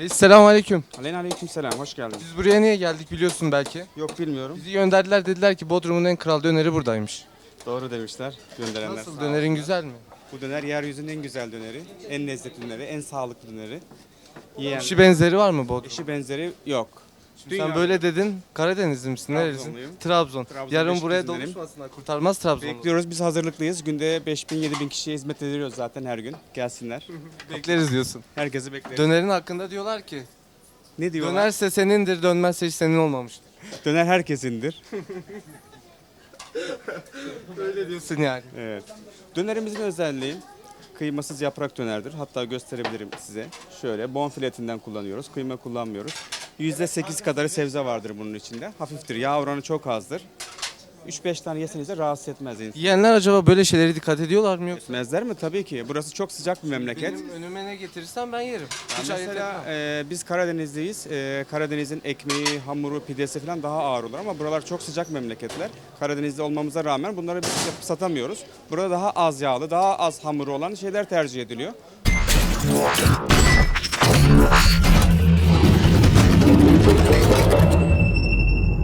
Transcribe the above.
Reis selamünaleyküm. Aleykümselam, hoş geldin. Biz buraya niye geldik biliyorsun belki. Yok bilmiyorum. Bizi gönderdiler, dediler ki Bodrum'un en kral döneri buradaymış. Doğru demişler gönderenler. Nasıl, Sağ dönerin olsunlar. güzel mi? Bu döner yeryüzünün en güzel döneri, en lezzetli döneri, en sağlıklı döneri. Yiyen Eşi benzeri var mı Bodrum? eşi benzeri yok. Şimdi sen böyle dedin. Karadenizli misin? Nerelisin? Trabzonluyum. Trabzon. Trabzon Yarın Beşik buraya izinlerim. doluşmasınlar. Kurtarmaz Trabzon'u. Bekliyoruz, biz hazırlıklıyız. Günde 5000-7000 kişiye hizmet ediyoruz zaten her gün. Gelsinler. Bekleriz diyorsun. Herkesi bekleriz. Dönerin hakkında diyorlar ki Ne diyorlar? dönerse senindir, dönmezse hiç senin olmamıştır. Döner herkesindir. Öyle diyorsun yani. Evet. Dönerimizin özelliği kıymasız yaprak dönerdir. Hatta gösterebilirim size. Şöyle bonfile etinden kullanıyoruz. Kıyma kullanmıyoruz. %8 kadarı sebze vardır bunun içinde. Hafiftir. Yağ oranı çok azdır. 3-5 tane yeseniz de rahatsız etmez insanı. Yiyenler acaba böyle şeylere dikkat ediyorlar mı yoksa? Etmezler mi? Tabii ki. Burası çok sıcak bir memleket. Benim önüme ne getirirsen ben yerim. Ya Hiç ayırt mesela etmem. biz Karadenizliyiz. Karadeniz'in ekmeği, hamuru, pidesi falan daha ağır olur ama buralar çok sıcak memleketler. Karadeniz'de olmamıza rağmen bunları biz yapıp satamıyoruz. Burada daha az yağlı, daha az hamuru olan şeyler tercih ediliyor.